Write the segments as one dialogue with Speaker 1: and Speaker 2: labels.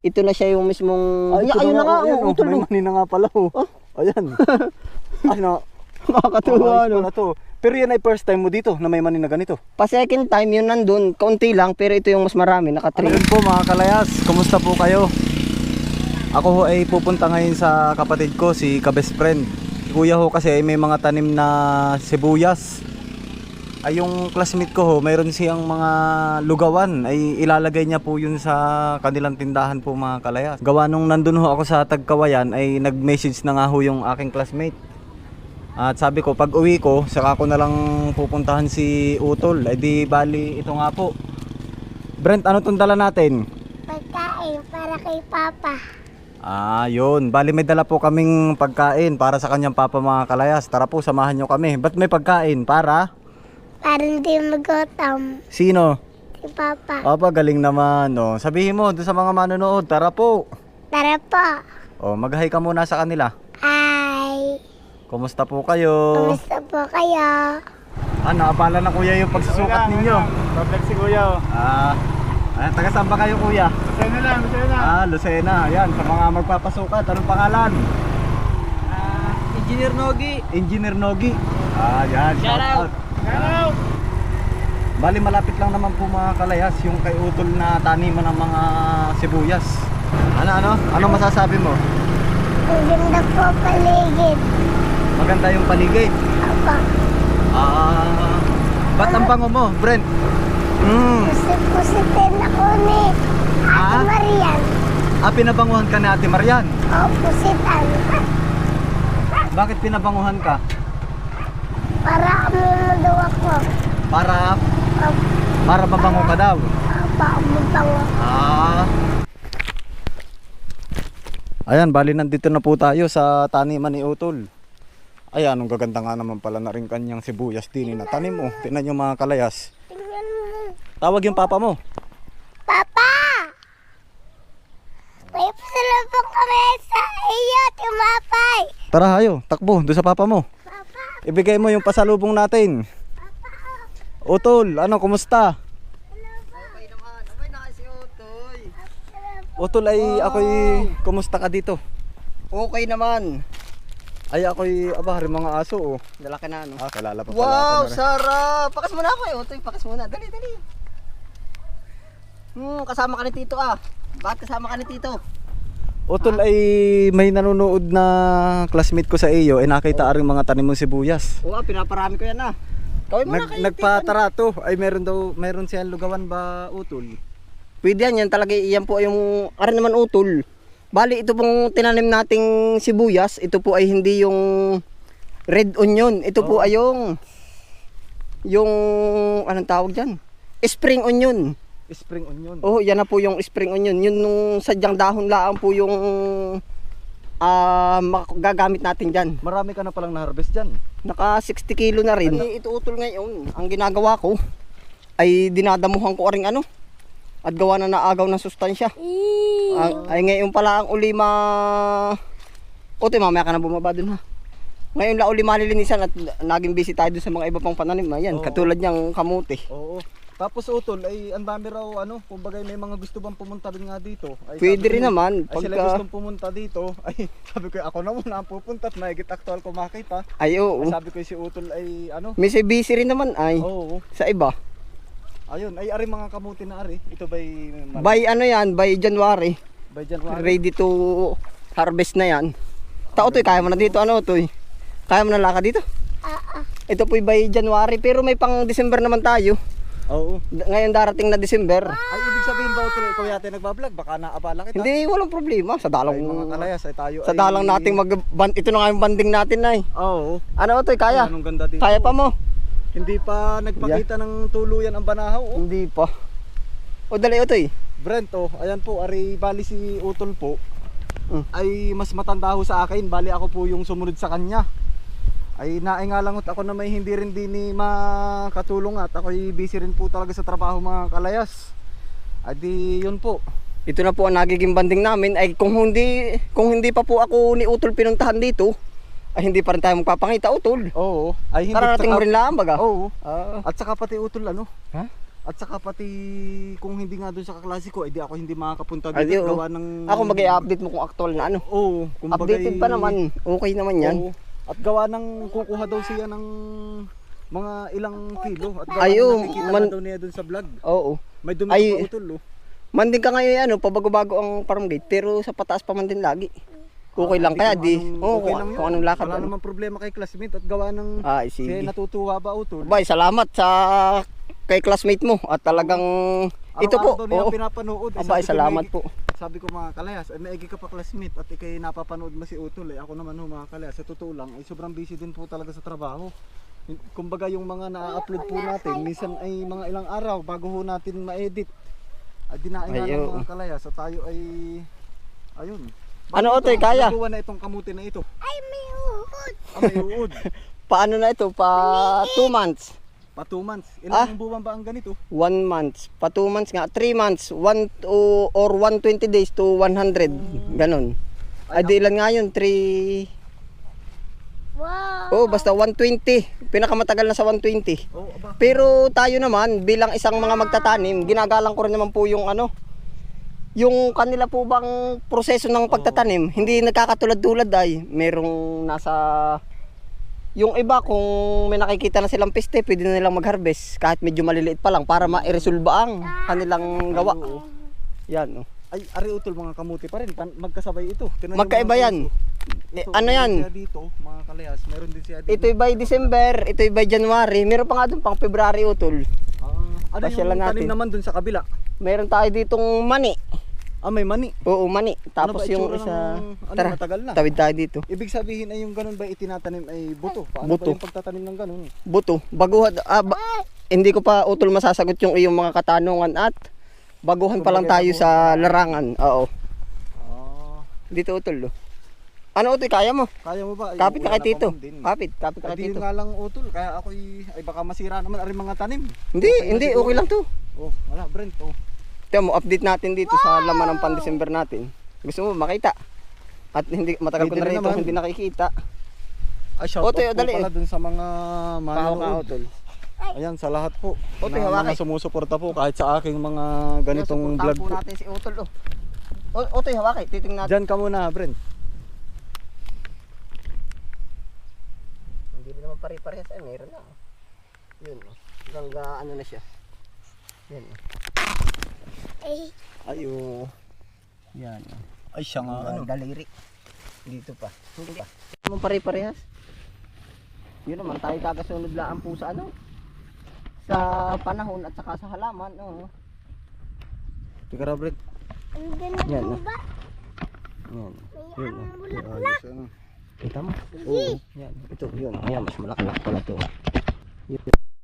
Speaker 1: ito na siya yung mismong...
Speaker 2: Ayun na nga, utol. May mani na nga pala. Ayan. Ano,
Speaker 1: Makakatuwa,
Speaker 2: no? To. Pero yan ay first time mo dito na may mani na ganito.
Speaker 1: Pa second time yun nandun, kaunti lang, pero ito yung mas marami, naka 3.
Speaker 2: Ayun po mga kalayas, kumusta po kayo? Ako ho ay pupunta ngayon sa kapatid ko, si ka-best friend. Si kuya ho kasi ay may mga tanim na sibuyas. Ay yung classmate ko ho, mayroon siyang mga lugawan, ay ilalagay niya po yun sa kanilang tindahan po mga kalayas. Gawa nung nandun ho ako sa Tagkawayan, ay nag-message na nga ho yung aking classmate. At sabi ko, pag uwi ko, saka ko na lang pupuntahan si Utol. Ay di bali, ito nga po. Brent, ano itong dala natin?
Speaker 3: Pagkain para kay Papa.
Speaker 2: Yun. Bali may dala po kaming pagkain para sa kanyang papa mga kalayas. Tara po, samahan nyo kami. Ba't may pagkain? Para?
Speaker 3: Para hindi magutom.
Speaker 2: Sino?
Speaker 3: Si Papa.
Speaker 2: Papa, galing naman. Oh. Sabihin mo doon sa mga manonood, tara po.
Speaker 3: Tara po.
Speaker 2: Oh, mag-hi ka muna sa kanila.
Speaker 3: Hi.
Speaker 2: Kumusta po kayo?
Speaker 3: Kumusta po kayo?
Speaker 2: Naabala na kuya yung pagsusukat ninyo.
Speaker 4: Bablag si Kuya.
Speaker 2: Taga saan ba kayo kuya?
Speaker 4: Lucena lang, Lucena.
Speaker 2: Lucena. Yan, sa mga magpapasukat. Anong pangalan?
Speaker 1: Engineer Nogi.
Speaker 2: Engineer Nogi. Yan. Shout out.
Speaker 4: Hello.
Speaker 2: Bali malapit lang naman po mga kalayas yung kay Utol na taniman ng mga sibuyas. Ano masasabi mo?
Speaker 3: Ang ganda po paligid.
Speaker 2: Maganda yung paligid.
Speaker 3: Apa.
Speaker 2: Ba't ang bango mo, Brent?
Speaker 3: Pusip-pusipin ako ni Ate Marian.
Speaker 2: Pinabanguhan ka ni Ate Marian.
Speaker 3: Pusitan.
Speaker 2: Bakit pinabanguhan ka?
Speaker 3: Para daw ako.
Speaker 2: Para mabango ka daw.
Speaker 3: Apa, mabango.
Speaker 2: Ayan, bali nandito na po tayo sa taniman ni Utol. Ayan, ang gaganda nga naman pala na rin kanyang sibuyas din na tanim mo. Tingnan nyo mga kalayas.
Speaker 3: Tingnan mo.
Speaker 2: Tawag yung papa mo.
Speaker 3: Papa! May pasalubong kami sa iyo, Timapay.
Speaker 2: Tara hayo, takbo, doon sa papa mo.
Speaker 3: Papa,
Speaker 2: Ibigay mo yung pasalubong natin. Utol, kumusta?
Speaker 1: Okay naman, okay na kasi Utoy.
Speaker 2: Utol ay ako'y kumusta ka dito?
Speaker 1: Okay naman.
Speaker 2: Ay ako'y hari mga aso
Speaker 1: Dala ka na, no?
Speaker 2: Kalala pa pala
Speaker 1: Wow,
Speaker 2: ako na rin.
Speaker 1: sarap! Pakas muna ako Utoy, pakas muna. Dali. Kasama ka ni Tito Bakit kasama ka ni Tito?
Speaker 2: Utol ay may nanonood na classmate ko sa iyo ay nakita ring mga tanim mong sibuyas.
Speaker 1: Oo, pinaparami ko yan Kawin mo na kayo.
Speaker 2: Nagpatarato ay meron siyang lugawan ba Utol?
Speaker 1: Pwede yan talaga, iyan po yung naman Utol. Bali, ito pong tinanim nating sibuyas, ito po ay hindi yung red onion. Ito po ay yung anong tawag dyan? Spring onion.
Speaker 2: Spring onion.
Speaker 1: Yan na po yung spring onion. Yun nung sadyang dahon lang po yung gagamit natin dyan.
Speaker 2: Marami ka na palang na-harvest dyan.
Speaker 1: Naka 60 kilo na rin. Ito Utol ngayon, ang ginagawa ko ay dinadamuhan ko ring at gawa na naagaw ng sustansya. Ay ngayon pala ang uli Utoy, mamaya ka na bumaba dun Ngayon la uli malilinisan at naging busy tayo dun sa mga iba pang pananim. Ayan, katulad niyang kamuti.
Speaker 2: Oo. Tapos Utol ay ang dami raw kumbaga may mga gusto bang pumunta rin nga dito. Ay,
Speaker 1: Pwede rin naman
Speaker 2: ay sila gustong pumunta dito. Ay sabi ko ako na muna ang pupunta at mahigit actual ko makita.
Speaker 1: Ay oo.
Speaker 2: Ay, sabi ko si Utol ay
Speaker 1: May busy rin naman ay.
Speaker 2: Oo.
Speaker 1: Sa iba.
Speaker 2: Ayun, ay ari mga kamuti na ari. Ito ba'y
Speaker 1: By by January.
Speaker 2: by January.
Speaker 1: Ready to harvest na yan. Utoy, kaya mo na dito Utoy? Kaya mo na lakad dito? Ito po'y by January pero may pang December naman tayo.
Speaker 2: Oo.
Speaker 1: Ngayon darating na December.
Speaker 2: Ay ibig sabihin ba Utol ikaw yata nagba-vlog? Baka naabala kita.
Speaker 1: Hindi, walang problema. Sa dalang
Speaker 2: Ay, mga kalayas ay tayo
Speaker 1: sa dalang nating ito na nga yung banding natin
Speaker 2: Oo.
Speaker 1: Utoy, kaya?
Speaker 2: Anong ganda dito.
Speaker 1: Kaya pa mo?
Speaker 2: Hindi pa nagpakita ng tuluyan ang banahaw
Speaker 1: Hindi pa. Dali Utoy.
Speaker 2: Brent ayan po, ari bali si Utol po. Ay mas matanda ho sa akin, bali ako po yung sumunod sa kanya. Ay naingalangot ako na may hindi rin din makatulong at ako'y busy rin po talaga sa trabaho mga kalayas. Adi yun po.
Speaker 1: Ito na po ang nagiging banding namin ay kung hindi pa po ako ni Utol pinuntahan dito ay hindi pa rin tayo magpapangita Utol.
Speaker 2: Oo. Ay hindi
Speaker 1: Kararating mo rin lang baga.
Speaker 2: Oo. At saka pati Utol
Speaker 1: Ha?
Speaker 2: At saka pati kung hindi nga doon sa kaklase ko, edi ako hindi makakapunta
Speaker 1: Ay,
Speaker 2: dito
Speaker 1: oo.
Speaker 2: gawa ng...
Speaker 1: Ako mag-i-update mo kung actual na ano.
Speaker 2: Oo, kumbaga
Speaker 1: Updated pa naman. Okay naman yan.
Speaker 2: Oo. At gawa ng kukuha daw siya ng mga ilang kilo. At gawa
Speaker 1: Ay,
Speaker 2: ng
Speaker 1: oo,
Speaker 2: nakikita
Speaker 1: man-
Speaker 2: na daw niya doon sa vlog.
Speaker 1: Oo.
Speaker 2: May dumi
Speaker 1: Ay,
Speaker 2: pa utol, oh.
Speaker 1: Man din ka ngayon ano, pabago-bago ang farm gate, pero sa pataas pa man din lagi. Okay lang kaya di.
Speaker 2: Okay lang yun.
Speaker 1: Kung anong lakad.
Speaker 2: Wala
Speaker 1: Ano.
Speaker 2: namang problema kay classmate at gawa ng...
Speaker 1: Ay,
Speaker 2: Siya
Speaker 1: sige.
Speaker 2: natutuwa ba utol?
Speaker 1: Bay, salamat sa kay classmate mo at talagang ito po.
Speaker 2: Araw-araw daw niya
Speaker 1: Oo.
Speaker 2: pinapanood. Eh,
Speaker 1: Abay,
Speaker 2: sabi ko,
Speaker 1: salamat
Speaker 2: "Maigi."
Speaker 1: po.
Speaker 2: Sabi ko mga kalayas, ay maigi ka pa classmate at ikay napapanood mo si Utol eh. Ako naman ho mga kalayas, sa totoo lang ay sobrang busy din po talaga sa trabaho. Kumbaga yung mga na-upload po natin, minsan ay mga ilang araw bago ho natin ma-edit. Ay dinaing nga
Speaker 1: Ay,
Speaker 2: ng
Speaker 1: oo.
Speaker 2: mga kalayas at tayo ay ayun.
Speaker 1: Ano,
Speaker 2: Bakit
Speaker 1: Otoy,
Speaker 2: ito?
Speaker 1: kaya?
Speaker 2: Nagawa na itong kamuti na ito.
Speaker 3: Ay, may uhod.
Speaker 2: May uod.
Speaker 1: Paano na ito? Pa 2 months.
Speaker 2: Pa 2 months. Ilang buwan ba ang ganito?
Speaker 1: 1 month. Pa 2 months nga. 3 months. 120 days to 100. Ganon. Ay, di ilan nga yun? 3...
Speaker 3: Wow.
Speaker 1: Oh, basta 120. Pinakamatagal na sa 120.
Speaker 2: Oh, aba.
Speaker 1: Pero tayo naman, bilang isang mga magtatanim, ginagalang ko rin naman po yung ano, yung kanila po bang proseso ng pagtatanim, hindi nagkakatulad-tulad ay merong nasa, yung iba kung may nakikita na silang peste, pwede na nilang mag-harvest kahit medyo maliliit pa lang para ma-resolve ang kanilang gawa. Yan, oh.
Speaker 2: Ay, ari Utol, mga kamuti pa rin. Magkasabay ito. Tingnan niyo
Speaker 1: Magkaiba
Speaker 2: mga
Speaker 1: yan.
Speaker 2: kalayas, oh.
Speaker 1: Eh,
Speaker 2: Ito,
Speaker 1: ano
Speaker 2: meron
Speaker 1: yan?
Speaker 2: siya dito, mga kalayas. Meron din siya dito.
Speaker 1: Ito'y by December, ito'y by January, meron pa nga doon pang February utol.
Speaker 2: Ano
Speaker 1: Pasyalan
Speaker 2: yung
Speaker 1: natin.
Speaker 2: tanim naman dun sa kabila?
Speaker 1: Meron tayo ditong mani.
Speaker 2: Ah, may mani.
Speaker 1: Oo, mani. Tapos
Speaker 2: ba
Speaker 1: yung
Speaker 2: itsura
Speaker 1: isa,
Speaker 2: ng-
Speaker 1: tara,
Speaker 2: matagal na?
Speaker 1: tawid tayo dito.
Speaker 2: Ibig sabihin ay yung ganun ba itinatanim ay buto? Paano
Speaker 1: Buto.
Speaker 2: ba yung pagtatanim ng ganun?
Speaker 1: Buto, baguhan, hindi ko pa utol masasagot yung iyong mga katanungan at baguhan pa lang tayo sa larangan. Oo,
Speaker 2: Ah,
Speaker 1: dito utol. Oh. Ano utol, kaya mo?
Speaker 2: kaya mo ba? Ay,
Speaker 1: Kapit na
Speaker 2: wala
Speaker 1: kay Tito.
Speaker 2: pa man din.
Speaker 1: Kapit ka
Speaker 2: Ay,
Speaker 1: kay
Speaker 2: di
Speaker 1: Tito.
Speaker 2: nga lang utol. Kaya ako ay baka masira naman ari mga tanim.
Speaker 1: Hindi,
Speaker 2: Okay na
Speaker 1: hindi,
Speaker 2: siguro.
Speaker 1: okay lang to.
Speaker 2: Oh, wala, Brent. Oh.
Speaker 1: Tiyan mo, update natin dito sa laman ng pan-December natin. Gusto mo makita? At hindi matagal ko
Speaker 2: Pwede
Speaker 1: na rin
Speaker 2: na
Speaker 1: ito
Speaker 2: naman.
Speaker 1: hindi nakikita.
Speaker 2: Ay, shout
Speaker 1: Otoy,
Speaker 2: out po
Speaker 1: dali.
Speaker 2: pala dun sa mga
Speaker 1: Pahaw ka
Speaker 2: manonood.
Speaker 1: utol.
Speaker 2: Ayan, sa lahat po.
Speaker 1: Otoy,
Speaker 2: Na
Speaker 1: hawakay.
Speaker 2: mga sumusuporta po kahit sa aking mga ganitong
Speaker 1: Suportahan
Speaker 2: vlog
Speaker 1: po
Speaker 2: po.
Speaker 1: natin si utol. Oh. Otoy, hawakay, titingnan natin.
Speaker 2: Diyan ka muna, Brent.
Speaker 1: Hindi rin naman pare-parehas ay meron na. Yun, oh. Hanggang ano na siya. Yan. Oh.
Speaker 3: Ay,
Speaker 2: Ayo.
Speaker 1: Yan. Oh.
Speaker 2: Ay, siya nga ano.
Speaker 1: Daliri. Dito pa. Hindi pa. Naman pare-parehas. Yun naman tayo kakasunod lang po sa ano. Sa panahon at saka sa halaman. Oh.
Speaker 2: Tika ra, Brent.
Speaker 3: ang ganda
Speaker 1: Yan,
Speaker 3: mo
Speaker 1: oh.
Speaker 3: ba?
Speaker 1: Yan.
Speaker 3: May
Speaker 1: Yun.
Speaker 3: ang
Speaker 1: Oh.
Speaker 3: bulaklak.
Speaker 2: Ayos, ano.
Speaker 1: Kita mo? Oo. Yan. Ito, yun. Ayan, mas malaki-laki pala ito. Yun.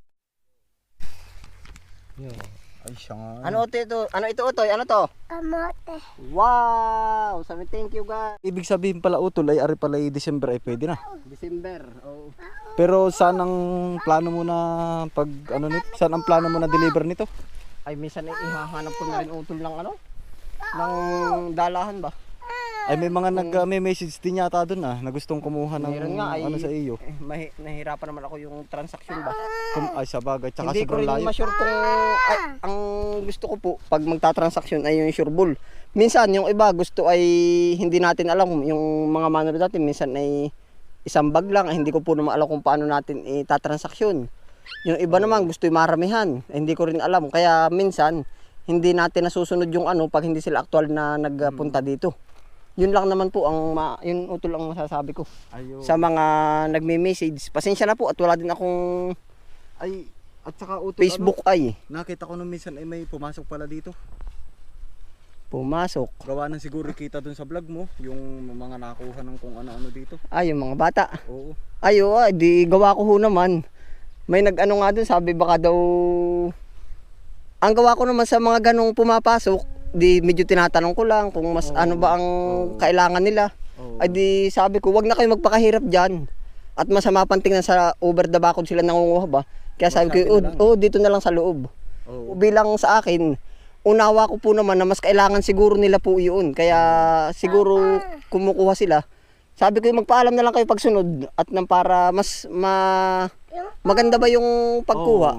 Speaker 1: Yun.
Speaker 2: Ay, siya nga.
Speaker 1: Ano ito? Ano ito, Otoy? Ano to?
Speaker 3: Kamote.
Speaker 1: Wow! Sabi thank you guys.
Speaker 2: Ibig sabihin pala utol ay ari pala ay December ay pwede na.
Speaker 1: December. Oh.
Speaker 2: Pero saan ang plano mo na pag ano nito? Saan ang plano mo na deliver nito?
Speaker 1: Ay minsan ay ihahanap ko na rin utol ng ano? Ng dalahan ba?
Speaker 2: Ay may mga may message din yata doon na gustong kumuha ng
Speaker 1: Meron nga ay
Speaker 2: ano sa iyo.
Speaker 1: nahihirapan naman ako yung transaction ba?
Speaker 2: Ay sa bagay tsaka
Speaker 1: Hindi ko
Speaker 2: sobrang
Speaker 1: rin
Speaker 2: layo.
Speaker 1: ma-sure kung ang gusto ko po pag magta-transaction ay yung sure bull. Minsan yung iba gusto ay hindi natin alam yung mga manood natin minsan ay isang bag lang ay hindi ko po naman alam kung paano natin itatransaksyon. Yung iba naman gusto yung maramihan, ay hindi ko rin alam kaya minsan hindi natin nasusunod yung ano pag hindi sila aktual na nagpunta dito. Yun lang naman po ang yun utol ang masasabi ko
Speaker 2: Ayo.
Speaker 1: sa mga nagme-message. Pasensya na po at wala din akong
Speaker 2: Ay at saka utol
Speaker 1: Facebook ay
Speaker 2: ano, nakita ko nung minsan ay may pumasok pala dito.
Speaker 1: pumasok.
Speaker 2: Gawa ng siguro kita doon sa vlog mo, yung mga nakuha ng kung ano-ano dito.
Speaker 1: Ay, yung mga bata.
Speaker 2: Oo.
Speaker 1: Ay, di gawa ko ho naman. May nag-ano nga dun, sabi baka daw... Ang gawa ko naman sa mga ganong pumapasok, di medyo tinatanong ko lang kung mas ano ba ang kailangan nila.
Speaker 2: Oo.
Speaker 1: Ay di sabi ko, wag na kayo magpakahirap dyan. At masama pang tingnan sa over the bakod sila nangunguha ba. Kaya sabi ko,
Speaker 2: Masabi na lang.
Speaker 1: dito na lang sa loob.
Speaker 2: Oo.
Speaker 1: Bilang sa akin, unawa ko po naman na mas kailangan siguro nila po yun. Kaya siguro kumukuha sila. Sabi ko magpaalam na lang kayo pagsunod at nang para mas maganda ba yung pagkuha.
Speaker 2: Oo.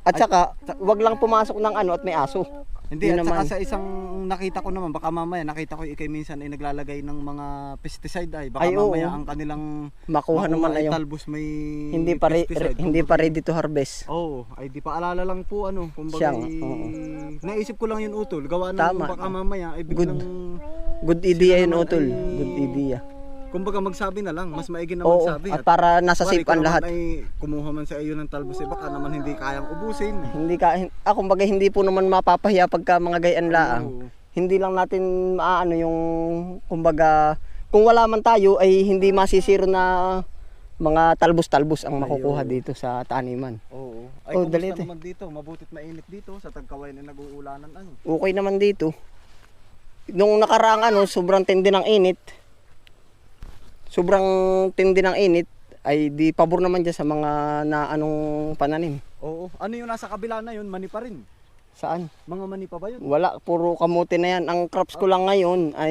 Speaker 1: At saka, wag lang pumasok ng ano at may aso.
Speaker 2: Hindi,
Speaker 1: Yun
Speaker 2: at saka
Speaker 1: naman.
Speaker 2: sa isang nakita ko naman, baka mamaya nakita ko ikay minsan ay naglalagay ng mga pesticide ay baka
Speaker 1: Ay, oo.
Speaker 2: mamaya ang kanilang
Speaker 1: Makuha naman
Speaker 2: ay
Speaker 1: na yung
Speaker 2: talbos may
Speaker 1: hindi pa
Speaker 2: pesticide.
Speaker 1: hindi pa ready to harvest.
Speaker 2: Oo, ay di pa alala lang po ano, kumbaga
Speaker 1: Siyang, oo.
Speaker 2: naisip ko lang yun utol, gawa ng
Speaker 1: Tama.
Speaker 2: baka mamaya ay
Speaker 1: Good.
Speaker 2: biglang
Speaker 1: Good idea yun,
Speaker 2: naman
Speaker 1: Utol.
Speaker 2: ay-
Speaker 1: Good idea.
Speaker 2: kumbaga magsabi na lang, mas maigi na
Speaker 1: Oo,
Speaker 2: magsabi.
Speaker 1: at para nasa
Speaker 2: Kuwari,
Speaker 1: safe
Speaker 2: ikaw
Speaker 1: ang
Speaker 2: naman
Speaker 1: lahat.
Speaker 2: ay kumuha man sa iyo ng talbos, eh baka naman hindi kayang ubusin.
Speaker 1: Kumbaga hindi po naman mapapahiya pagka mga gayan laang.
Speaker 2: Oo.
Speaker 1: Hindi lang natin maaano yung kumbaga kung wala man tayo ay hindi masisiro na mga talbos-talbos ang makukuha dito sa taniman.
Speaker 2: Oo. Ay,
Speaker 1: Oh,
Speaker 2: kumusta
Speaker 1: dali ito.
Speaker 2: naman dito? Mabutit mainit dito sa Tagkawayan na nag-uulanan ano.
Speaker 1: Okay naman dito. Nung nakaraang ano, sobrang tindi ng init. Sobrang tindi ng init ay di pabor naman dyan sa mga na anong pananim.
Speaker 2: Oo. Ano yung nasa kabila na yun? Mani pa rin.
Speaker 1: Saan?
Speaker 2: Mga mani pa ba yun?
Speaker 1: Wala, puro kamote na yan. Ang crops ko lang ngayon ay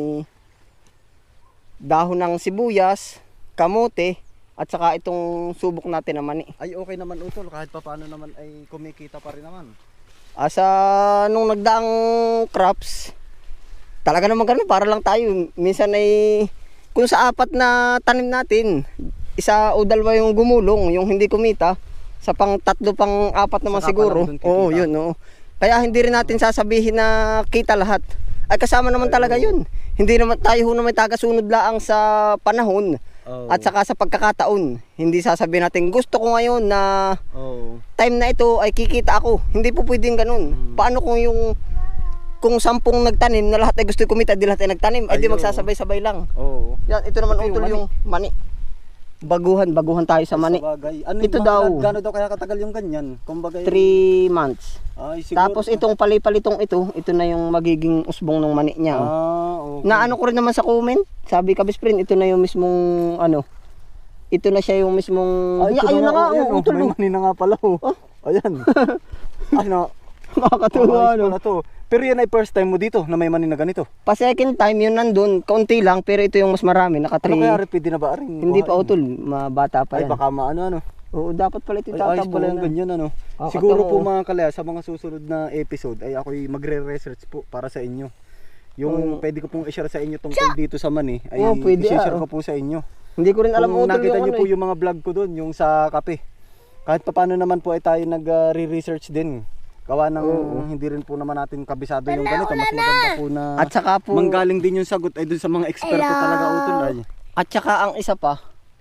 Speaker 1: dahon ng sibuyas, kamote, at saka itong subok natin na mani.
Speaker 2: Ay okay naman utol, kahit pa paano naman ay kumikita pa rin naman.
Speaker 1: Asa nung nagdaang crops, talaga naman ganun, para lang tayo. Minsan ay, kung sa apat na tanim natin, isa o dalawa yung gumulong, yung hindi kumita, sa pang tatlo, pang apat naman
Speaker 2: Saka
Speaker 1: siguro.
Speaker 2: pa lang dun kikita.
Speaker 1: Oo, yun, oo. Kaya hindi rin natin sasabihin na kita lahat. Ay kasama naman talaga yun. Hindi naman tayo na may tagasunod laang sa panahon.
Speaker 2: Oo.
Speaker 1: At saka sa pagkakataon, hindi sasabihin natin gusto ko ngayon na
Speaker 2: Oo.
Speaker 1: time na ito ay kikita ako. Hindi po pwedeng ganun. Paano kung 10 nagtanim na lahat ay gusto kumita, di lahat ay nagtanim, ay di
Speaker 2: Ayun.
Speaker 1: magsasabay-sabay lang.
Speaker 2: Oo.
Speaker 1: Yan, ito naman
Speaker 2: Ito yung
Speaker 1: utol
Speaker 2: mani.
Speaker 1: yung mani. Baguhan tayo sa mani.
Speaker 2: Sa bagay. Ano
Speaker 1: Ito
Speaker 2: yung
Speaker 1: daw.
Speaker 2: Gano'n daw kaya katagal yung ganyan? Kumbaga
Speaker 1: 3 months.
Speaker 2: Ay, siguro.
Speaker 1: Tapos itong palipalitong ito na yung magiging usbong ng mani niya. Oh.
Speaker 2: Okay.
Speaker 1: Na ano ko rin naman sa comment, sabi ka best friend, ito na yung mismong ano. Ito na siya yung mismong
Speaker 2: ito
Speaker 1: ayun na nga,
Speaker 2: ayan,
Speaker 1: oh, utol.
Speaker 2: may mani na nga pala. Oh. Ayan. Ay na.
Speaker 1: Nakakatuwa
Speaker 2: Ayos
Speaker 1: ano.
Speaker 2: pala to. Pero yan ay first time mo dito na may mani na ganito.
Speaker 1: Pa second time yun nandun, kaunti lang pero ito yung mas marami, naka
Speaker 2: Ano kaya
Speaker 1: 3.
Speaker 2: pwede na ba rin?
Speaker 1: Hindi pa utol, mabata pa
Speaker 2: Ay
Speaker 1: yan.
Speaker 2: baka maano.
Speaker 1: Oo, dapat pala ito
Speaker 2: Ay, ayos pala yung
Speaker 1: tatabunan.
Speaker 2: ganyan ano.
Speaker 1: Ah,
Speaker 2: Siguro po
Speaker 1: katawa.
Speaker 2: mga kalaya sa mga susunod na episode ay ako'y magre-research po para sa inyo. Yung pwede ko pong i-share sa inyo tungkol dito sa mani ay
Speaker 1: Oo, pwede,
Speaker 2: i-share
Speaker 1: ah.
Speaker 2: ko po sa inyo.
Speaker 1: Hindi ko rin alam
Speaker 2: Kung
Speaker 1: utol
Speaker 2: nakita
Speaker 1: yung
Speaker 2: nyo
Speaker 1: ano.
Speaker 2: po yung mga vlog ko doon, yung sa kape. Kahit pa paano naman po ay tayo nag-re-research din. Gawa ng hindi rin po naman natin kabisado yung ganito. Mas maganda po na
Speaker 1: At saka po,
Speaker 2: manggaling din yung sagot ay doon sa mga eksperto talaga utol ay.
Speaker 1: at saka ang isa pa,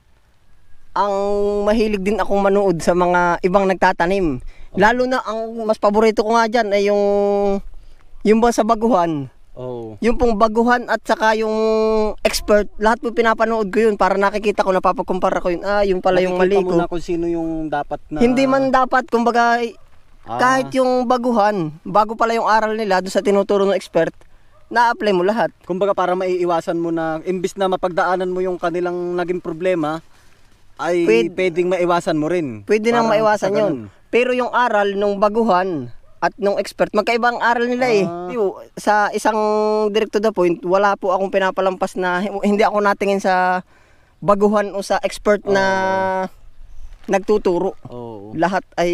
Speaker 1: ang mahilig din akong manood sa mga ibang nagtatanim. Lalo na ang mas paborito ko nga dyan ay yung ba sa baguhan.
Speaker 2: Oh.
Speaker 1: Yung pong baguhan at saka yung expert, lahat po pinapanood ko yun para nakikita ko, napapagkumpara ko yun. Yung pala yung mali
Speaker 2: Nakikita mo
Speaker 1: ko.
Speaker 2: na kung sino yung dapat na
Speaker 1: Hindi man dapat, kumbaga, kahit yung baguhan, bago pala yung aral nila doon sa tinuturo ng expert, na-apply mo lahat.
Speaker 2: kumbaga para maiiwasan mo na imbis na mapagdaanan mo yung kanilang naging problema ay pwedeng maiwasan mo rin.
Speaker 1: Pwede nang
Speaker 2: Parang
Speaker 1: maiwasan
Speaker 2: sa
Speaker 1: yun.
Speaker 2: ganun.
Speaker 1: Pero yung aral nung baguhan at nung expert, magkaibang aral nila eh. Sa isang direct to the point, wala po akong pinapalampas na, hindi ako natingin sa baguhan o sa expert na nagtuturo.
Speaker 2: Oo.
Speaker 1: Lahat ay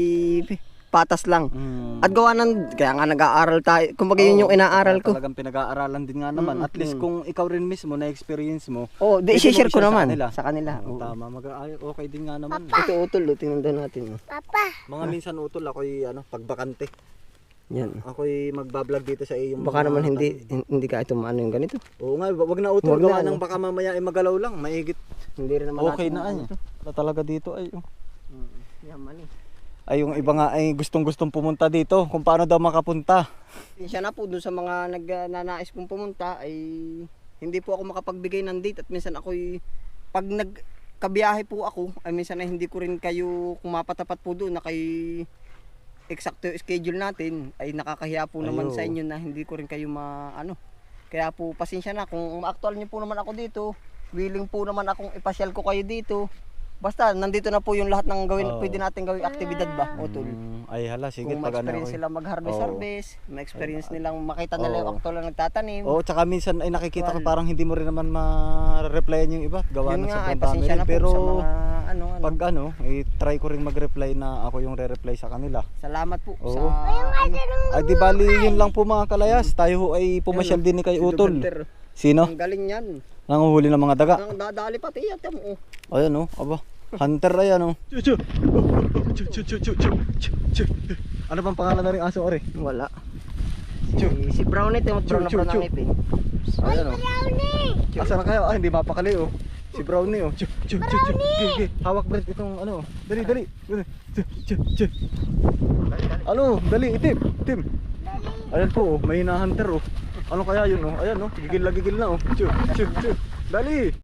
Speaker 1: patas lang. At gawa ng, kaya nga nag-aaral tayo. Kumbaga yun yung inaaral ko.
Speaker 2: Talagang pinag-aaralan din nga naman. At least kung ikaw rin mismo na experience mo.
Speaker 1: Oh, di
Speaker 2: pwede mo
Speaker 1: i-share ko
Speaker 2: i-share
Speaker 1: naman
Speaker 2: sa
Speaker 1: sa kanila.
Speaker 2: Oo,
Speaker 1: Oo.
Speaker 2: tama, okay din nga naman.
Speaker 1: Ito utol, tingnan daw natin.
Speaker 3: Papa.
Speaker 2: Mga minsan utol ako'y pagbakante.
Speaker 1: Yan.
Speaker 2: Ako'y magbablog dito sa iyong
Speaker 1: Baka
Speaker 2: mga
Speaker 1: naman
Speaker 2: tanim.
Speaker 1: hindi ka ito maano yung ganito.
Speaker 2: Oo nga, wag na utol.
Speaker 1: Wag na,
Speaker 2: Gawa
Speaker 1: ano.
Speaker 2: ng baka mamaya ay magalaw lang. Maigit.
Speaker 1: Hindi rin naman
Speaker 2: Okay
Speaker 1: natin
Speaker 2: na ay.
Speaker 1: maano to.
Speaker 2: Wala talaga dito ay.
Speaker 1: Yan, mani.
Speaker 2: Ay yung iba nga ay gustong pumunta dito. Kung paano daw makapunta.
Speaker 1: Siya na po dun sa mga nagnanais kong pumunta ay hindi po ako makapagbigay ng date at minsan ako'y pag nagkabiyahe po ako ay minsan ay hindi ko rin kayo kung mapatapat po doon na kay eksakto yung schedule natin ay nakakahiya po naman
Speaker 2: Ayo.
Speaker 1: sa inyo na hindi ko rin kayo maano. Kaya po pasensya na kung ma-actual niyo po naman ako dito, willing po naman akong ipasyal ko kayo dito. Basta nandito na po yung lahat ng gawin, pwede natin gawing aktibidad ba, utol.
Speaker 2: Ay hala, sige
Speaker 1: Kung
Speaker 2: pag ano.
Speaker 1: ma-experience sila mag-harvest, ma-experience nilang makita nila yung actual na nagtatanim.
Speaker 2: Oo, tsaka minsan ay nakikita ko parang hindi mo rin naman ma-replyan yung iba. Gawa ng
Speaker 1: Yun nga,
Speaker 2: sobrang
Speaker 1: ay
Speaker 2: dami
Speaker 1: pasensya
Speaker 2: rin.
Speaker 1: na po
Speaker 2: Pero
Speaker 1: sa mga ng ano.
Speaker 2: Pag try ko rin mag-reply na ako yung re-reply sa kanila.
Speaker 1: Salamat po
Speaker 2: Oo.
Speaker 1: sa
Speaker 2: Ay di bali yun lang po mga kalayas. Tayo ho ay pumasyal din ni kay Utol. Sino?
Speaker 1: Ang galing yan.
Speaker 2: Nanguhuli ng mga daga.
Speaker 1: Ang dadali pati yan. Tamo.
Speaker 2: Ayan aba. Hunter ayan Ano bang pangalan na rin aso ore?
Speaker 1: Wala. Si Brownie, timot brown na brown ang ipin.
Speaker 2: Ayan Asa na kayo? Hindi mapakali Si Brownie Brownie! Hawak Brent itong Dali. Dali itim. Ayan po may hinahunter Ano kaya yun Ayan gigil na Dali.